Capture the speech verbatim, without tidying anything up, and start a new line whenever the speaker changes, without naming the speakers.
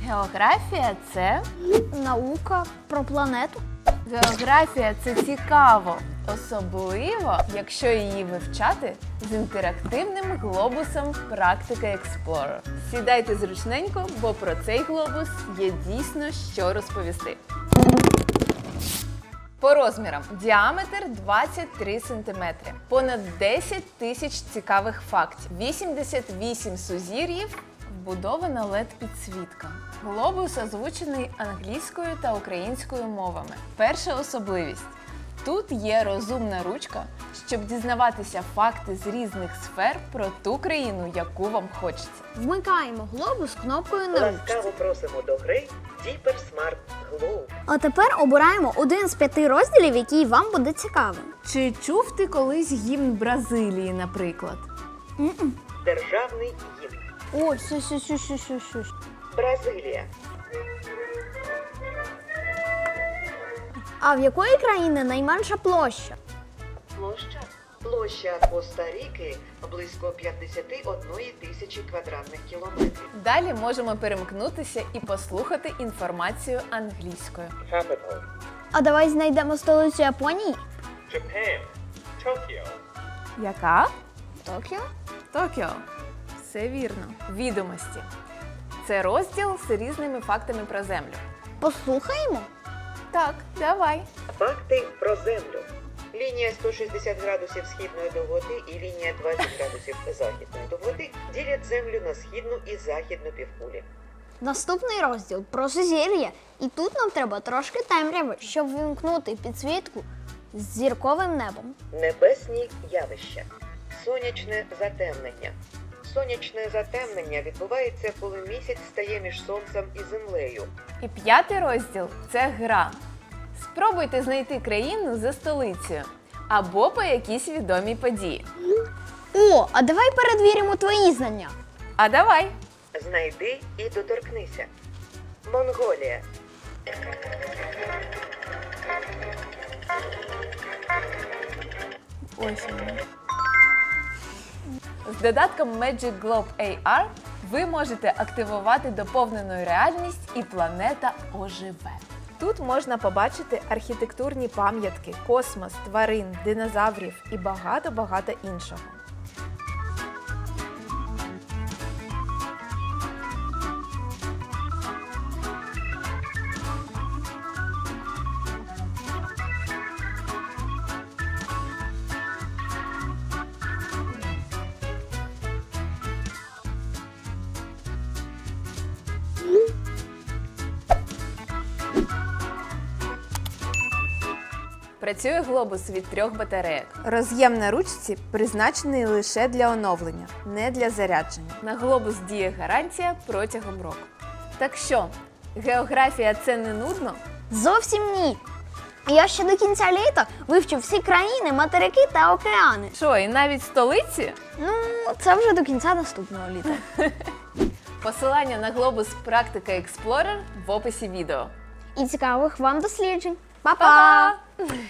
Географія – це
Наука про планету.
Географія – це цікаво, особливо, якщо її вивчати з інтерактивним глобусом Практика Explorer. Сідайте зручненько, бо про цей глобус є дійсно що розповісти. По розмірам. Діаметр двадцять три сантиметри. Понад десять тисяч цікавих фактів. вісімдесят вісім сузір'їв. Вбудована лед підсвітка. Глобус озвучений англійською та українською мовами. Перша особливість. Тут є розумна ручка, щоб дізнаватися факти з різних сфер про ту країну, яку вам хочеться.
Вмикаємо глобус кнопкою на ручці.
Ласкаво просимо до гри Deeper Smart Globe.
А тепер обираємо один з п'яти розділів, який вам буде цікавим.
Чи чув ти колись гімн Бразилії, наприклад?
М-м.
Державний гімн.
Ой, сю сю сю сю сю сю
Бразилія.
А в якої країни найменша площа?
Площа. Площа Коста-Ріки близько п'ятдесят однієї тисячі квадратних кілометрів.
Далі можемо перемкнутися і послухати інформацію англійською.
Capital,
А давай знайдемо столицю Японії.
Japan, Tokyo,
Яка?
Токіо.
Токіо. Все вірно. Відомості. Це розділ з різними фактами про Землю.
Послухаємо.
Так, давай.
Факти про Землю. Лінія сто шістдесят градусів східної довготи і лінія двадцять градусів західної довготи ділять Землю на східну і західну півкулі.
Наступний розділ про сузір'я. І тут нам треба трошки темряви, щоб вимкнути підсвітку з зірковим небом.
Небесні явища. Сонячне затемнення. Сонячне затемнення відбувається, коли місяць стає між сонцем і землею.
І п'ятий розділ – це гра. Спробуйте знайти країну за столицею або по якійсь відомій події.
О, а давай перевіримо твої знання.
А давай!
Знайди і доторкнися. Монголія.
Ось воно. З додатком Magic Globe ей ар ви можете активувати доповнену реальність і планета оживе. Тут можна побачити архітектурні пам'ятки, космос, тварин, динозаврів і багато-багато іншого. Працює глобус від трьох батарейок. Роз'єм на ручці призначений лише для оновлення, не для зарядження. На глобус діє гарантія протягом року. Так що, географія – це не нудно?
Зовсім ні. Я ще до кінця літа вивчу всі країни, материки та океани.
Що, і навіть столиці?
Ну, це вже до кінця наступного літа.
Посилання на глобус Практика Explorer в описі відео.
І цікавих вам досліджень.
Па-па!
Па-па!